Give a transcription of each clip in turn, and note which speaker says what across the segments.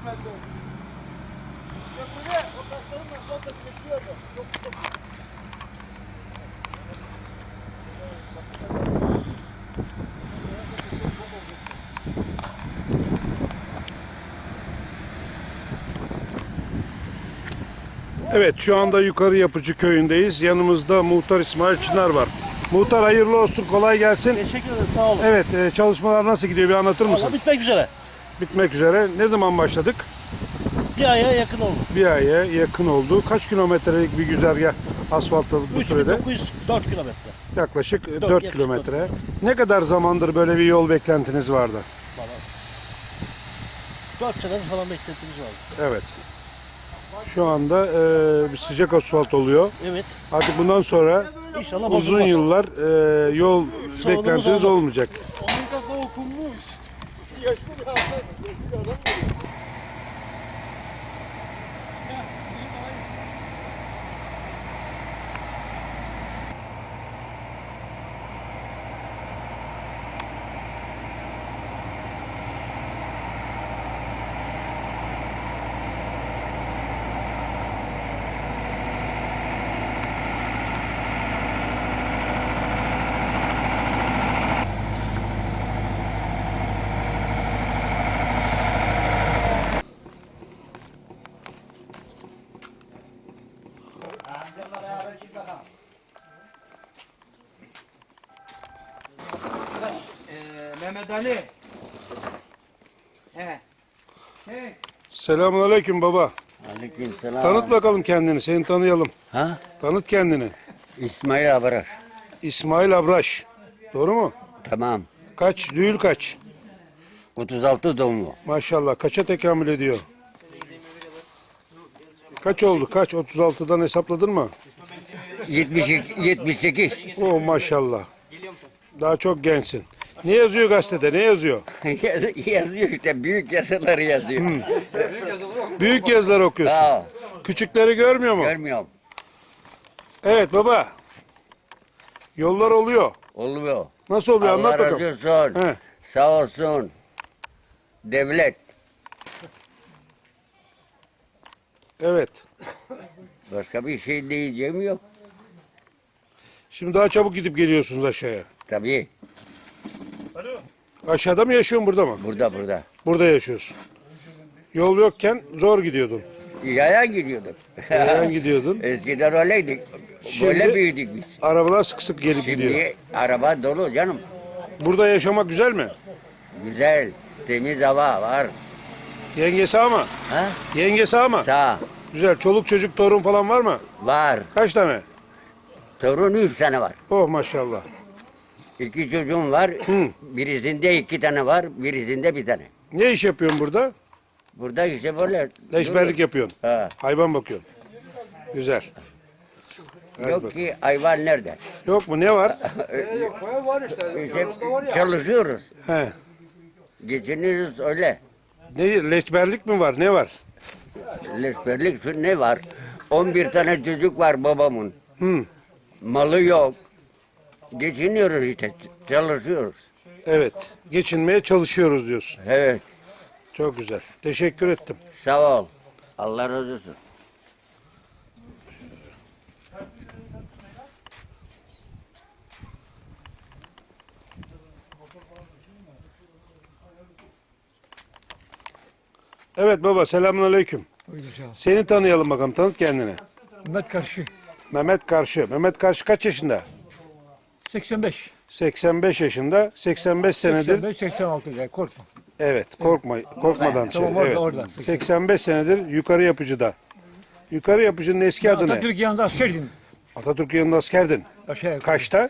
Speaker 1: metre oldu. Köprüde o taşlarınla sonra geçiyordu. Çok sıkıntı.
Speaker 2: Evet, şu anda Yukarı Yapıcı köyündeyiz. Yanımızda Muhtar İsmail Çınar var. Muhtar hayırlı olsun, kolay gelsin.
Speaker 1: Teşekkür ederim, sağ olun.
Speaker 2: Evet, çalışmalar nasıl gidiyor bir anlatır mısın?
Speaker 1: Valla bitmek üzere.
Speaker 2: Bitmek üzere. Ne zaman başladık?
Speaker 1: Bir aya yakın oldu.
Speaker 2: Bir aya yakın oldu. Kaç kilometrelik bir güzergah asfaltladık bu sürede?
Speaker 1: 3904 kilometre.
Speaker 2: Yaklaşık 4
Speaker 1: yaklaşık
Speaker 2: kilometre. Ne kadar zamandır böyle bir yol beklentiniz vardı?
Speaker 1: Valla. 4 senedir falan beklentimiz vardı.
Speaker 2: Evet. Şu anda bir sıcak asfalt oluyor.
Speaker 1: Evet.
Speaker 2: Artık bundan sonra
Speaker 1: İnşallah
Speaker 2: uzun
Speaker 1: bozulmaz.
Speaker 2: yıllar yol
Speaker 1: Sorunumuz
Speaker 2: beklentiniz
Speaker 1: olmaz.
Speaker 2: olmayacak.
Speaker 1: Onun kafa okunmuş. Yaşlı bir adam. Yaşlı bir adam. Mehmet Ali. He. He.
Speaker 2: Selamünaleyküm baba.
Speaker 3: Aleykümselam.
Speaker 2: Tanıt bakalım kendini, seni tanıyalım.
Speaker 3: Ha?
Speaker 2: Tanıt kendini.
Speaker 3: İsmail Abarar.
Speaker 2: İsmail Abraş. Doğru mu?
Speaker 3: Tamam.
Speaker 2: Kaç? Düğül kaç?
Speaker 3: 36 doğumlu.
Speaker 2: Maşallah. Kaça tekamül ediyor? Kaç oldu? Kaç? 36'dan hesapladın mı?
Speaker 3: 72, 78.
Speaker 2: Oh maşallah. Daha çok gençsin. Ne yazıyor gazetede? Ne yazıyor?
Speaker 3: Yazıyor işte. Büyük yazıları yazıyor.
Speaker 2: Büyük yazılar okuyorsun.
Speaker 3: Aa,
Speaker 2: Küçükleri görmüyor mu?
Speaker 3: görmüyorum.
Speaker 2: Evet baba. Yollar oluyor.
Speaker 3: Oluyor.
Speaker 2: Nasıl oluyor?
Speaker 3: Allah
Speaker 2: Anlat
Speaker 3: razı
Speaker 2: bakalım.
Speaker 3: olsun.
Speaker 2: He.
Speaker 3: Sağ olsun. Devlet.
Speaker 2: Evet.
Speaker 3: Başka bir şey diyeceğim yok.
Speaker 2: Şimdi daha çabuk gidip geliyorsunuz aşağıya.
Speaker 3: Tabii.
Speaker 2: Aşağıda mı yaşıyorsun, burada mı?
Speaker 3: Burada.
Speaker 2: Burada yaşıyorsun. Yol yokken zor gidiyordun.
Speaker 3: Yaya gidiyorduk.
Speaker 2: Yayan gidiyordun.
Speaker 3: Eskiden öyleydik. Böyle
Speaker 2: Şimdi-
Speaker 3: büyüdük biz.
Speaker 2: Arabalar sık sık gelip gidiyor.
Speaker 3: Şimdi araba dolu canım.
Speaker 2: Burada yaşamak güzel mi?
Speaker 3: Güzel. Temiz hava var.
Speaker 2: Yenge sağ mı?
Speaker 3: Ha?
Speaker 2: Yenge sağ mı?
Speaker 3: Sağ.
Speaker 2: Güzel. Çoluk çocuk torun falan var mı?
Speaker 3: Var.
Speaker 2: Kaç tane?
Speaker 3: Torun 3 tane var.
Speaker 2: Oh maşallah.
Speaker 3: 2 çocuğum var. Birisinde 2 tane var. Birisinde 1 tane.
Speaker 2: Ne iş yapıyorsun burada?
Speaker 3: Burada işte böyle.
Speaker 2: Leşberlik yapıyorsun.
Speaker 3: Ha.
Speaker 2: Hayvan bakıyorsun. Güzel. Hadi
Speaker 3: Yok
Speaker 2: bak.
Speaker 3: ki hayvan nerede?
Speaker 2: Yok mu? Ne var?
Speaker 3: İşte çalışıyoruz.
Speaker 2: He.
Speaker 3: Geçiniyoruz öyle.
Speaker 2: Ne, leşberlik mi var? Ne var?
Speaker 3: Leşberlik şu ne var? 11 tane çocuk var babamın.
Speaker 2: Hı.
Speaker 3: Malı yok. Geçiniyoruz işte. Çalışıyoruz.
Speaker 2: Evet. Geçinmeye çalışıyoruz diyorsun.
Speaker 3: Evet.
Speaker 2: Çok güzel. Teşekkür ettim.
Speaker 3: Sağ ol. Allah razı olsun.
Speaker 2: Evet baba, selamünaleyküm.
Speaker 4: Aleykümselam.
Speaker 2: Seni tanıyalım bakalım. Tanıt kendini.
Speaker 4: Mehmet Karşı
Speaker 2: Mehmet Karşı. Mehmet Karşı kaç yaşında?
Speaker 4: 85.
Speaker 2: 85 yaşında. 85 senedir.
Speaker 4: 85 86 ya korkma.
Speaker 2: Evet, korkmadan
Speaker 4: Tamam,
Speaker 2: söyle.
Speaker 4: orada,
Speaker 2: Evet.
Speaker 4: orada.
Speaker 2: 85 senedir Yukarı Yapıcı'da. Yukarı Yapıcı'nın eski adı ne?
Speaker 4: Atatürk yanında askerdim.
Speaker 2: Atatürk yanında askerdin.
Speaker 4: Aşağı yukarı.
Speaker 2: Kaçta?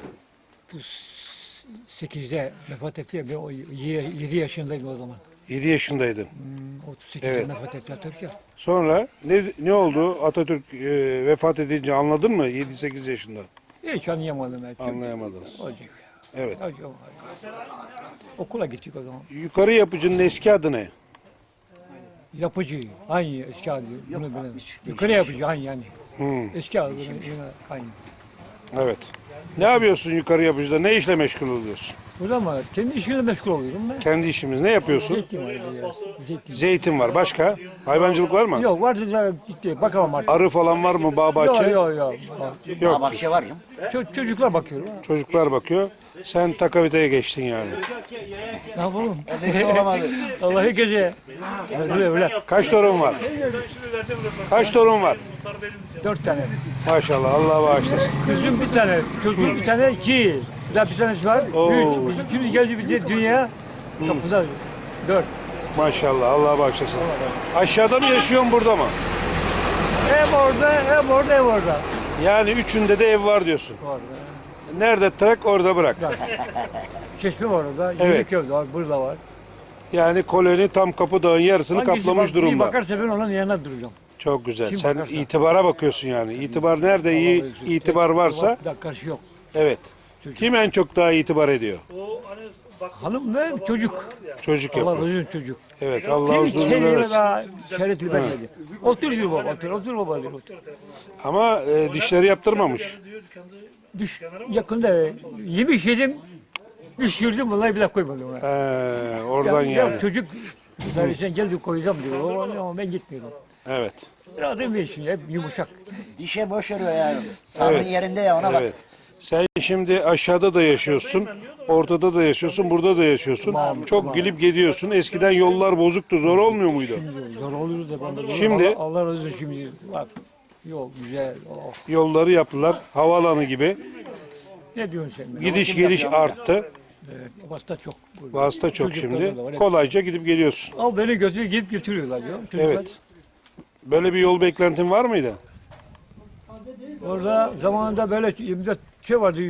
Speaker 4: 8'de vefat etti. Ben o 7 yaşındaydım o zaman.
Speaker 2: 7 yaşındaydın.
Speaker 4: 38'de
Speaker 2: Evet.
Speaker 4: vefat etti Atatürk ya.
Speaker 2: Sonra ne oldu? Atatürk vefat edince anladın mı? 7-8 yaşında.
Speaker 4: Hiç anlayamadım. Ben.
Speaker 2: Anlayamadınız.
Speaker 4: Acı.
Speaker 2: Evet.
Speaker 4: Acı. Okula gittik o zaman.
Speaker 2: Yukarı Yapıcı'nın eski adı ne?
Speaker 4: Yapıcı. Aynı eski adı. Bunu bilemem. Yukarı yapıcı aynı yani.
Speaker 2: Hmm,
Speaker 4: Eski adı yine aynı.
Speaker 2: evet. Ne yapıyorsun Yukarı Yapıcı'da? Ne işle meşgul oluyorsun?
Speaker 4: Burada mı? Kendi işimle meşgul oluyorum ben.
Speaker 2: Kendi işimiz. Ne yapıyorsun?
Speaker 4: Zeytin var. Zeytin.
Speaker 2: Zeytin var. Başka? Hayvancılık var mı?
Speaker 4: Yok vardı da gitti. Bakamam artık.
Speaker 2: Arı falan var mı? Bağ bahçe?
Speaker 4: Yok.
Speaker 2: Yok.
Speaker 3: Bahçe var ya.
Speaker 4: Çocuklar bakıyor.
Speaker 2: Çocuklar bakıyor. Sen takaviteye geçtin yani.
Speaker 4: Ne yapalım? Allah'ı gece. Öyle.
Speaker 2: Kaç torun var? Kaç torun var?
Speaker 4: 4 tane.
Speaker 2: Maşallah. Allah bağışlasın.
Speaker 4: Kızım bir tane, çocuğum bir tane, 2. Bir daha bir tanesi var.
Speaker 2: Oo.
Speaker 4: 3. Bizim şimdi geldi bir dünya. Çok güzel. 4.
Speaker 2: Maşallah. Allah bağışlasın. Aşağıda mı yaşıyorsun, burada mı?
Speaker 4: Ev orada, ev orada, ev orada.
Speaker 2: Yani üçünde de ev var diyorsun.
Speaker 4: Orada.
Speaker 2: Nerede trak orada bırak.
Speaker 4: Çeşme var orada.
Speaker 2: Evet.
Speaker 4: Yemek ev de var, burada var.
Speaker 2: Yani koloni tam Kapıdağ'ın yarısını
Speaker 4: Hangisi
Speaker 2: kaplamış
Speaker 4: iyi
Speaker 2: durumda.
Speaker 4: bakarsa ben onun yanına duracağım.
Speaker 2: Çok güzel.
Speaker 4: Kim
Speaker 2: Sen
Speaker 4: bakarsa.
Speaker 2: itibara bakıyorsun yani. İtibar nerede iyi itibar varsa,
Speaker 4: Karşı yok.
Speaker 2: evet. Kim en çok daha itibar ediyor?
Speaker 4: Hanım ve çocuk.
Speaker 2: Çocuk
Speaker 4: Allah
Speaker 2: yapıyor.
Speaker 4: uzun çocuk.
Speaker 2: Evet. Allah
Speaker 4: Kim
Speaker 2: uzun ömür
Speaker 4: içeriye
Speaker 2: versin.
Speaker 4: daha şerefli vermedi. Otur diyor baba, otur baba diyor. Otur.
Speaker 2: Ama dişleri yaptırmamış.
Speaker 4: Düş, yakında yemiş yedim, düşürdüm vallahi bir daha koymadım ona.
Speaker 2: Oradan
Speaker 4: Ya
Speaker 2: yani.
Speaker 4: çocuk sen gel diyor koyacağım diyor ama ben gitmiyorum.
Speaker 2: Evet.
Speaker 4: Rahatım bir işin hep yumuşak.
Speaker 5: Dişe boş veriyor yani. Sağlığın
Speaker 2: Evet.
Speaker 5: yerinde ya ona bak.
Speaker 2: Evet. Sen şimdi aşağıda da yaşıyorsun, ortada da yaşıyorsun, burada da yaşıyorsun. Çok gidip geliyorsun. Eskiden yollar bozuktu, zor olmuyor muydu?
Speaker 4: Zor oluyor da bana.
Speaker 2: Şimdi-
Speaker 4: Allah razı olsun şimdi bak yol güzel. Oh.
Speaker 2: Yolları yaptılar, havaalanı gibi.
Speaker 4: Ne diyorsun sen? be?
Speaker 2: Gidiş geliş arttı.
Speaker 4: Evet, vasıta çok.
Speaker 2: Vasıta çok
Speaker 4: Çocuklar
Speaker 2: şimdi.
Speaker 4: da var, hep.
Speaker 2: Kolayca gidip geliyorsun.
Speaker 4: Al beni götür gidip götürüyorlar diyor. Çocuklar.
Speaker 2: Evet. Böyle bir yol beklentin var mıydı?
Speaker 4: Orada zamanında böyle imza şey vardı.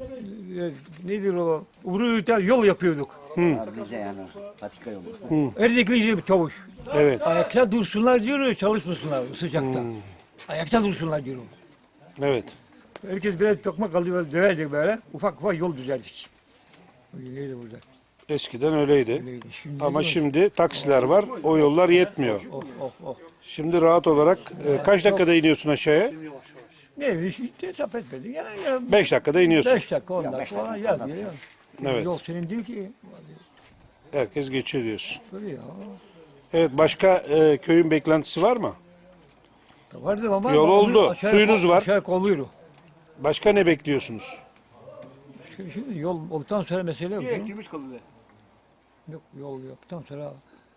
Speaker 4: Nedir o? Uğurlu'da yol yapıyorduk.
Speaker 5: Abi bize yani patika yolu.
Speaker 4: Erdekli bir çavuş.
Speaker 2: Evet.
Speaker 4: Ayakta dursunlar diyor, çalışmasınlar sıcakta. Ayakta dursunlar diyor.
Speaker 2: Evet.
Speaker 4: Herkes biraz tokmak aldı böyle döverdik böyle. Ufak ufak yol düzerdik. Öyleydi burada.
Speaker 2: Eskiden öyleydi.
Speaker 4: Öyleydi. Şimdi
Speaker 2: Ama
Speaker 4: değil mi?
Speaker 2: şimdi taksiler var. O yollar yetmiyor.
Speaker 4: Oh.
Speaker 2: Şimdi rahat olarak kaç dakikada iniyorsun aşağıya?
Speaker 4: Ne iş işte hesap etmedin. Yani
Speaker 2: 5 dakikada iniyorsun.
Speaker 4: 5 dakika 10
Speaker 5: Ya
Speaker 4: dakika
Speaker 5: beş dakika
Speaker 4: falan
Speaker 5: fazla.
Speaker 4: yaz diyor.
Speaker 2: Evet.
Speaker 4: Yol senin değil ki.
Speaker 2: Herkes geçiyor diyorsun.
Speaker 4: Böyle ya.
Speaker 2: Evet, başka köyün beklentisi var mı?
Speaker 4: Vardı ama.
Speaker 2: Yol oldu, suyunuz var.
Speaker 4: Aşağı kolluyor.
Speaker 2: Başka ne bekliyorsunuz?
Speaker 4: Şimdi yol olduktan sonra mesele yok. canım.
Speaker 1: Gümüş kaldı.
Speaker 4: Yok yol yaptıktan sonra.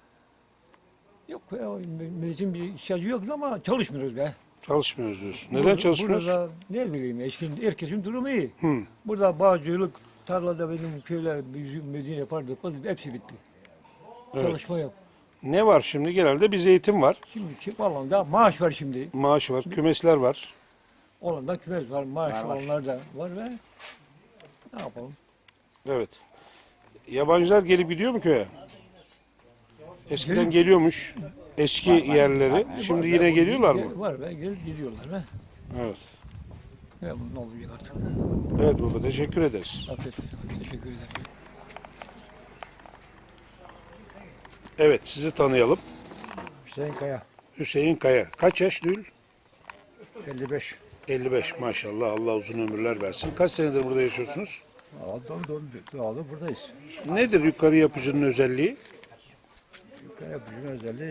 Speaker 4: Yok ya milletin bir ihtiyacı yok ama çalışmıyoruz be.
Speaker 2: Çalışmıyoruz diyorsun. Neden çalışmıyoruz?
Speaker 4: Burada ne bileyim ya şimdi herkesin durumu iyi.
Speaker 2: Hı.
Speaker 4: Burada bağcılık, tarlada benim köyler medine yapardık. Hepsi bitti.
Speaker 2: Evet.
Speaker 4: Çalışma yok.
Speaker 2: Ne var şimdi? Genelde bir zeytin var.
Speaker 4: Şimdi kim alanda maaş var şimdi.
Speaker 2: Maaş var. Kümesler var.
Speaker 4: Olanda kümes var, maaş olanlar da var ve ne yapalım?
Speaker 2: Evet. Yabancılar gelip gidiyor mu köye? Eskiden geliyormuş eski yerleri. Şimdi yine geliyorlar mı?
Speaker 4: Var ve gelip gidiyorlar ve
Speaker 2: Evet.
Speaker 4: ne olacak artık?
Speaker 2: Evet baba, teşekkür ederiz.
Speaker 4: Afiyet olsun. Teşekkür ederim.
Speaker 2: Evet, sizi tanıyalım.
Speaker 6: Hüseyin Kaya,
Speaker 2: Hüseyin Kaya. Kaç yaş Dül?
Speaker 6: 55.
Speaker 2: 55 maşallah, Allah uzun ömürler versin. Kaç senedir burada yaşıyorsunuz?
Speaker 6: Doğalı buradayız.
Speaker 2: Nedir yukarı yapıcının özelliği?
Speaker 6: Kaya yapıcının özelliği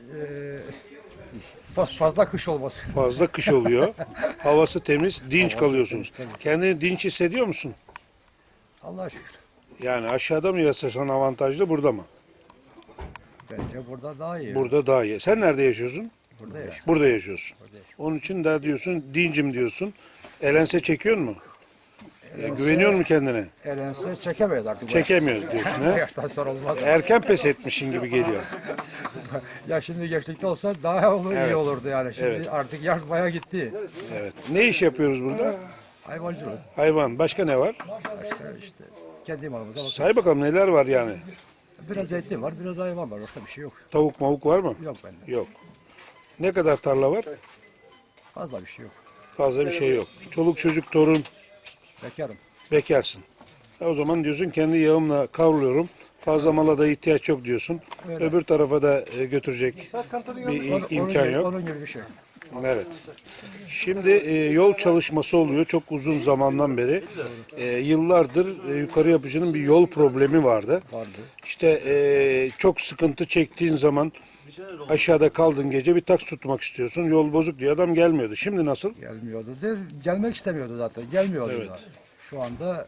Speaker 6: fazla kış olması.
Speaker 2: Fazla kış oluyor. Havası temiz, dinç kalıyorsunuz. Kendini dinç hissediyor musun?
Speaker 6: Allah'a şükür.
Speaker 2: Yani aşağıda mı yaşasan avantajlı, burada mı?
Speaker 6: Bence burada daha iyi.
Speaker 2: Burada daha iyi. Sen nerede yaşıyorsun?
Speaker 6: Burada yaşıyor.
Speaker 2: Burada yaşıyorsun. Onun için de diyorsun, dincim diyorsun. Elense çekiyor mu? Güveniyor mu kendine?
Speaker 6: Elense çekemeyiz artık.
Speaker 2: Çekemiyoruz diyorsun.
Speaker 6: Bu
Speaker 2: He?
Speaker 6: yaştan sonra olmaz.
Speaker 2: Erken pes etmişin gibi geliyor.
Speaker 6: Ya şimdi gençlikte olsa daha
Speaker 2: Evet.
Speaker 6: iyi olurdu yani. Şimdi
Speaker 2: Evet.
Speaker 6: artık yaş bayağı gitti.
Speaker 2: Evet. Ne iş yapıyoruz burada?
Speaker 6: Hayvancılık.
Speaker 2: Hayvan. Başka ne var?
Speaker 6: Başka işte kendi malımıza bakıyoruz.
Speaker 2: Say bakalım neler var yani?
Speaker 6: Biraz zeytin var, biraz hayvan var. Başka bir şey yok.
Speaker 2: Tavuk mavuk var mı?
Speaker 6: Yok bende.
Speaker 2: Yok. Ne kadar tarla var?
Speaker 6: Fazla bir şey yok.
Speaker 2: Fazla bir şey yok. Çoluk çocuk torun
Speaker 6: Bekarım.
Speaker 2: bekarsın. O zaman diyorsun kendi yağımla kavruluyorum. Fazla mala da ihtiyaç yok diyorsun. Öbür tarafa da götürecek bir imkan yok.
Speaker 6: Onun gibi bir şey.
Speaker 2: Evet. Şimdi yol çalışması oluyor çok uzun zamandan beri. Yıllardır yukarı yapıcının bir yol problemi vardı. İşte çok sıkıntı çektiğin zaman aşağıda kaldın gece bir taks tutmak istiyorsun. Yol bozuk diye adam gelmiyordu. Şimdi nasıl?
Speaker 6: Gelmiyordu. Gelmek istemiyordu zaten. Gelmiyordu da. Şu anda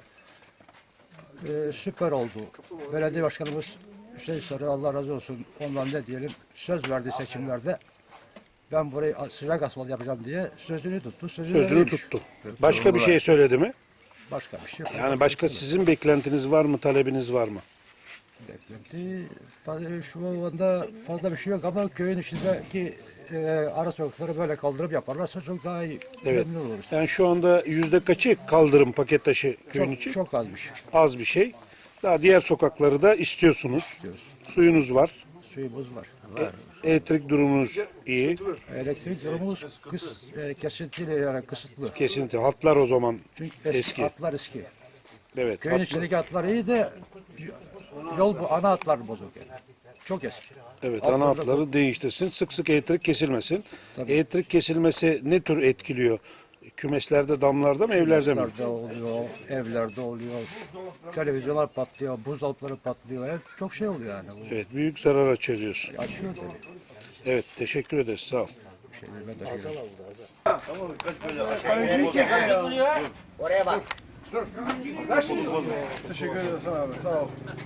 Speaker 6: süper oldu. Belediye başkanımız Hüseyin Sarı, Allah razı olsun, ondan ne diyelim, söz verdi seçimlerde. Ben burayı sıcak asfalt yapacağım diye sözünü tuttu.
Speaker 2: Sözünü
Speaker 6: vermiş.
Speaker 2: tuttu. Başka bir şey söyledi mi?
Speaker 6: Başka bir şey yok.
Speaker 2: Yani başka sizin beklentiniz var mı, talebiniz var mı?
Speaker 6: Beklenti şu anda fazla bir şey yok ama köyün içindeki ara sokakları böyle kaldırıp yaparlarsa çok daha iyi.
Speaker 2: Evet.
Speaker 6: Memnun oluruz.
Speaker 2: Yani şu anda yüzde kaçı kaldırım paket taşı köyün için?
Speaker 6: Çok az bir şey.
Speaker 2: Az bir şey. Daha diğer sokakları da istiyorsunuz. Suyunuz var.
Speaker 6: Suyumuz var.
Speaker 2: Elektrik durumunuz iyi.
Speaker 6: Elektrik durumumuz kesintili, yani kısıtlı.
Speaker 2: Kesinlikle. Hatlar o zaman
Speaker 6: Çünkü
Speaker 2: eski.
Speaker 6: hatlar eski.
Speaker 2: Evet.
Speaker 6: Köyün içindeki hatlar iyi de yol bu ana hatlar bozuk yani. Çok eski.
Speaker 2: Evet,
Speaker 6: Hatlarda
Speaker 2: ana hatları değiştirsin. Sık sık elektrik kesilmesin.
Speaker 6: Tabii.
Speaker 2: Elektrik kesilmesi ne tür etkiliyor? Kümeslerde, damlarda mı, evlerde mi?
Speaker 6: Evlerde oluyor, evlerde oluyor. Televizyonlar patlıyor, buzdolapları patlıyor. Çok şey oluyor yani. Bu
Speaker 2: Evet, büyük zarar açıyor diyorsun.
Speaker 6: açıyor tabii.
Speaker 2: Evet, teşekkür ederiz. Sağ ol.
Speaker 6: Ben teşekkür ederim.
Speaker 3: Oraya bak.
Speaker 1: Teşekkür ederiz abi. Sağ ol.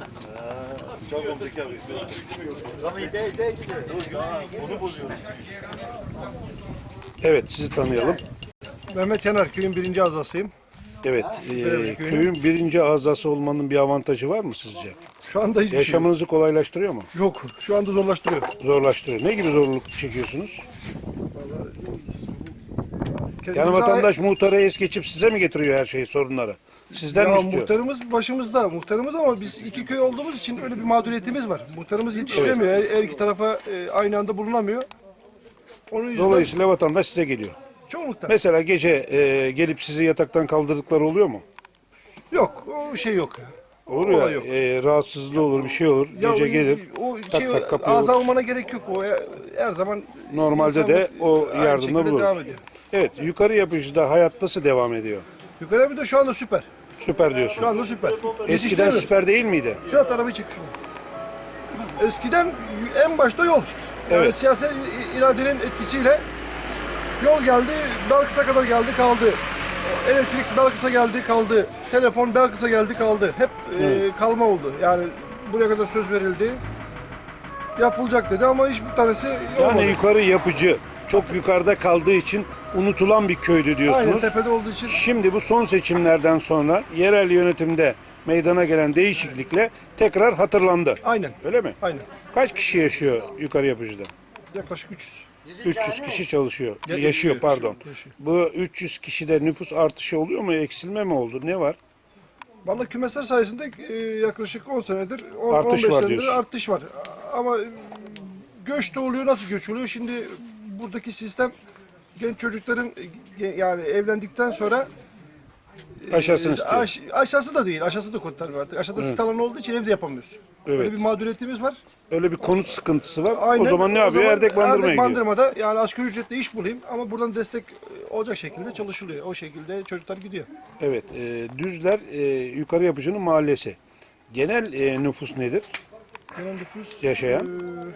Speaker 2: Evet, sizi tanıyalım.
Speaker 1: Mehmet Yanar, köyün birinci azasıyım.
Speaker 2: Evet, köyün birinci azası olmanın bir avantajı var mı sizce?
Speaker 1: Şu anda hiçbir
Speaker 2: Yaşamınızı kolaylaştırıyor mu?
Speaker 1: şey yok. Şu anda zorlaştırıyor.
Speaker 2: Zorlaştırıyor. Ne gibi zorluk çekiyorsunuz? Yani
Speaker 1: Kendimize
Speaker 2: vatandaş muhtara es geçip size mi getiriyor her şeyi, sorunları? Sizden mi
Speaker 1: Ya
Speaker 2: istiyor?
Speaker 1: muhtarımız başımızda. Muhtarımız ama biz iki köy olduğumuz için öyle bir mağduriyetimiz var. Muhtarımız yetiştiremiyor. Her iki tarafa aynı anda bulunamıyor. Onun yüzünden
Speaker 2: Dolayısıyla vatandaş size geliyor.
Speaker 1: çoğunlukla.
Speaker 2: Mesela gece gelip sizi yataktan kaldırdıkları oluyor mu?
Speaker 1: Yok. O şey yok ya.
Speaker 2: Olur
Speaker 1: Olay
Speaker 2: ya,
Speaker 1: yok.
Speaker 2: rahatsızlığı olur, bir şey olur.
Speaker 1: Ya
Speaker 2: Gece gelir,
Speaker 1: o
Speaker 2: tak
Speaker 1: şey
Speaker 2: tak kapıyı
Speaker 1: ağza almana gerek yok. O her zaman
Speaker 2: Normalde de o
Speaker 1: aynı
Speaker 2: yardımda
Speaker 1: şekilde
Speaker 2: buluruz.
Speaker 1: devam ediyor.
Speaker 2: Evet, yukarı yapıcıda hayat nasıl devam ediyor?
Speaker 1: Yukarı bir de şu anda süper.
Speaker 2: Süper diyorsun.
Speaker 1: Şu anda süper.
Speaker 2: Eskiden
Speaker 1: Yetiştiremiyoruz.
Speaker 2: süper değil miydi?
Speaker 1: Şu at arabayı çek şunu. Eskiden en başta yol. Yani
Speaker 2: Evet.
Speaker 1: siyasi iradenin etkisiyle yol geldi, Belkıs'a kadar geldi kaldı. Elektrik Belkıs'a geldi kaldı. Telefon Belkıs'a geldi kaldı. Hep kalma oldu. Yani buraya kadar söz verildi. Yapılacak dedi ama hiçbir tanesi olmadı.
Speaker 2: Yani yukarı yapıcı çok yukarıda kaldığı için unutulan bir köydü
Speaker 1: Aynen
Speaker 2: diyorsunuz.
Speaker 1: tepede olduğu için.
Speaker 2: Şimdi bu son seçimlerden sonra yerel yönetimde meydana gelen değişiklikle tekrar hatırlandı.
Speaker 1: Aynen.
Speaker 2: Öyle mi?
Speaker 1: Aynen.
Speaker 2: Kaç kişi yaşıyor yukarı yapıcıda?
Speaker 1: Yaklaşık 300.
Speaker 2: 300 kişi çalışıyor.
Speaker 1: Ya-
Speaker 2: Yaşıyor pardon.
Speaker 1: yaşıyor.
Speaker 2: Bu 300 kişide nüfus artışı oluyor mu? Eksilme mi oldu? Ne var?
Speaker 1: Vallahi kümesler sayesinde yaklaşık 10 senedir,
Speaker 2: Artış
Speaker 1: 15
Speaker 2: var
Speaker 1: senedir
Speaker 2: diyorsun.
Speaker 1: artış var. Ama göç de oluyor, nasıl göç oluyor? Şimdi buradaki sistem genç çocukların yani evlendikten sonra
Speaker 2: Aşağısını istiyor.
Speaker 1: aşağısı da değil, aşağısı da kurtarmıyor artık. Aşağıda sit alanı olduğu için evde yapamıyoruz.
Speaker 2: Evet.
Speaker 1: Böyle bir mağduriyetimiz var.
Speaker 2: Öyle bir konut sıkıntısı var.
Speaker 1: Aynen.
Speaker 2: O zaman ne yapıyor? Erdek Bandırma'ya
Speaker 1: Erdek
Speaker 2: gidiyor.
Speaker 1: Bandırma'da yani asgari ücretle iş bulayım ama buradan destek olacak şekilde çalışılıyor. O şekilde çocuklar gidiyor.
Speaker 2: Evet. Düzler yukarı yapıcının mahallesi. Genel nüfus nedir?
Speaker 1: Genel nüfus
Speaker 2: Yaşayan?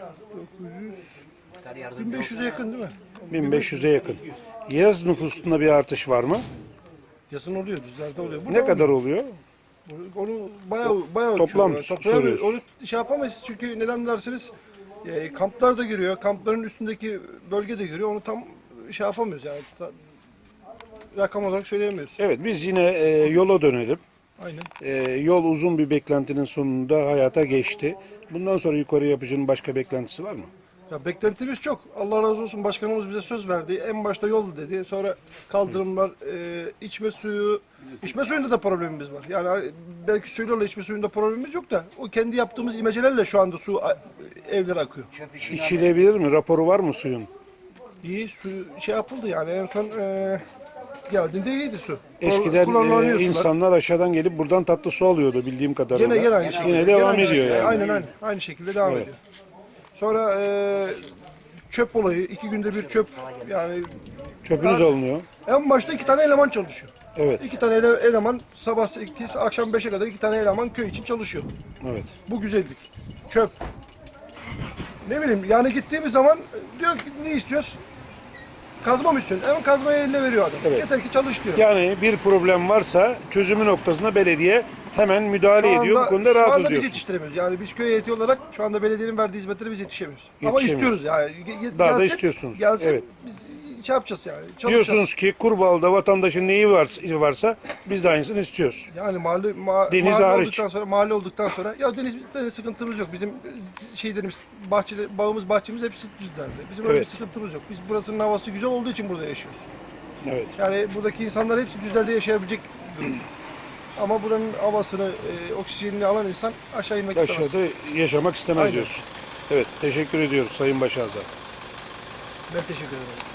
Speaker 1: 1500'e yakın değil mi?
Speaker 2: 1500'e yakın. Yaz nüfusunda bir artış var mı?
Speaker 1: Yazın oluyor, düzlerde oluyor.
Speaker 2: Ne kadar oluyor?
Speaker 1: Onu bayağı
Speaker 2: Toplam
Speaker 1: ölçüyorlar. Toplayamıyoruz.
Speaker 2: soruyoruz.
Speaker 1: Onu şey yapamayız çünkü neden derseniz kamplar da giriyor. Kampların üstündeki bölge de giriyor. Onu tam şey yapamıyoruz yani. Rakam olarak söyleyemiyoruz.
Speaker 2: Evet, biz yine yola dönelim.
Speaker 1: Aynen.
Speaker 2: Yol uzun bir beklentinin sonunda hayata geçti. Bundan sonra yukarı yapıcının başka beklentisi var mı?
Speaker 1: Ya beklentimiz çok. Allah razı olsun, başkanımız bize söz verdi. En başta yol dedi. Sonra kaldırımlar, içme suyunda da problemimiz var. Yani belki suyla içme suyunda problemimiz yok da o kendi yaptığımız imecelerle şu anda su evlere akıyor.
Speaker 2: İçilebilir mi? Raporu var mı suyun?
Speaker 1: İyi su şey yapıldı yani en son geldiğinde iyiydi su.
Speaker 2: Eskiden
Speaker 1: Kullanılıyor sular.
Speaker 2: insanlar aşağıdan gelip buradan tatlı su alıyordu bildiğim kadarıyla.
Speaker 1: Gene aynı şekilde.
Speaker 2: Yine devam
Speaker 1: aynı
Speaker 2: ediyor
Speaker 1: şekilde.
Speaker 2: yani.
Speaker 1: Aynen aynı şekilde devam
Speaker 2: Evet.
Speaker 1: ediyor. Sonra çöp olayı, 2 günde bir çöp yani
Speaker 2: Çöpünüz alınıyor.
Speaker 1: en başta 2 tane eleman çalışıyor.
Speaker 2: Evet.
Speaker 1: 2 tane eleman sabah 8 akşam 5'e kadar 2 tane eleman köy için çalışıyor.
Speaker 2: Evet.
Speaker 1: Bu güzellik. Çöp. Ne bileyim yani gittiğimiz zaman diyor ki ne istiyoruz? Kazma mı istiyorsun? Hemen kazmayı eline veriyor adam.
Speaker 2: Evet.
Speaker 1: Yeter ki çalış diyor.
Speaker 2: Yani bir problem varsa çözümü noktasında belediye hemen müdahale ediyor. Bu konuda
Speaker 1: şu
Speaker 2: rahatız
Speaker 1: anda biz
Speaker 2: diyor.
Speaker 1: yetiştiremiyoruz. Yani biz köy heyeti olarak şu anda belediyenin verdiği hizmetlere biz yetişemiyoruz. Ama
Speaker 2: Yetişemiyoruz.
Speaker 1: istiyoruz yani.
Speaker 2: Daha da
Speaker 1: Gelsin,
Speaker 2: istiyorsunuz.
Speaker 1: Gelsin
Speaker 2: Evet.
Speaker 1: biz şey yapacağız yani. Çalışacağız.
Speaker 2: Diyorsunuz ki Kurbağalı'da vatandaşın neyi varsa biz de aynısını istiyoruz.
Speaker 1: Yani
Speaker 2: Deniz
Speaker 1: mahalle
Speaker 2: hariç.
Speaker 1: olduktan sonra mahalle olduktan sonra ya denizde sıkıntımız yok. Bizim şeylerimiz bağımız bahçemiz hepsi düzlerde. Bizim öyle
Speaker 2: Evet.
Speaker 1: bir sıkıntımız yok. Biz burasının havası güzel olduğu için burada yaşıyoruz.
Speaker 2: Evet.
Speaker 1: Yani buradaki insanlar hepsi düzlerde yaşayabilecek durumda. Ama buranın havasını, oksijenini alan insan aşağı inmek istemez.
Speaker 2: Aşağıda yaşamak istemez
Speaker 1: Aynen.
Speaker 2: diyorsun. Evet, teşekkür ediyoruz Sayın Başağız'a.
Speaker 1: Ben teşekkür ederim.